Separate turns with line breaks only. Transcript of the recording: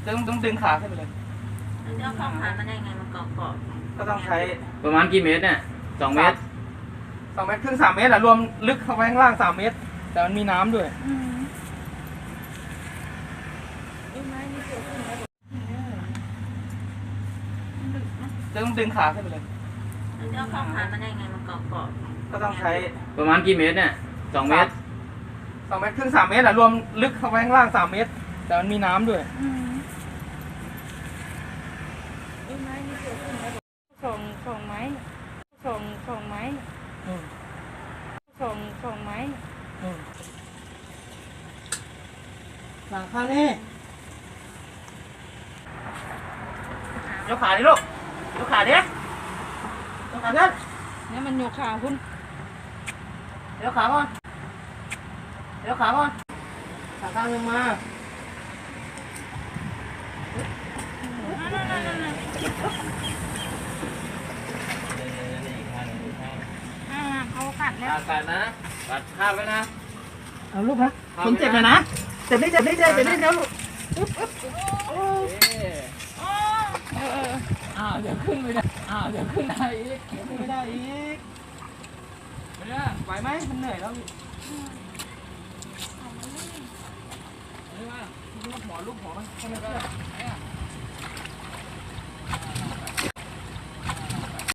ต้องดึงขาขึ้นไปเลย
มันจะเอาเข้าขามันได้ไงมันเกาะ
ก็ต้องใช้
ประมาณกี่เมตรเนี่ย2 เมตร
2 เมตรครึ่ง3 เมตรอะรวมลึกเข้าไปข้างล่าง3 เมตรแต่มันมีน้ำด้วยต้องดึงขาขึ้นไปเลย
มันจะเอาเข้าขามันได้ไงมันเกาะ
ก็ต้องใช้
ประมาณกี่เมตรเนี่ย2 เมตร
2 เมตรครึ่ง3 เมตรอะรวมลึกเข้าไปข้างล่าง3 เมตรแต่มันมีน้ำด้วย
สองไม้สองไม้
หลังข้างนี่ยกขาดิลูกยกขาดิยกขาขึ้น
เนี่ยมันโยกขาคุณ
ยกขาก่อนยกขาก่อนขาข้างหนึ่งมา
เขาขัดแล้ว
กัดนะกัดข้ามไว้นะ
เอาลูกนะผมเจ็บเลยนะเจ็บนิดเดี๋ยวลูก
เดี๋ยวขึ้นไม่ได้เดี๋ยวขึ้นได้อีก
ไม่ได้อีกไม่ได้ไหวไหมมันเหนื่อยแล้วนี่ว่าลูกหัวมันทำไมก็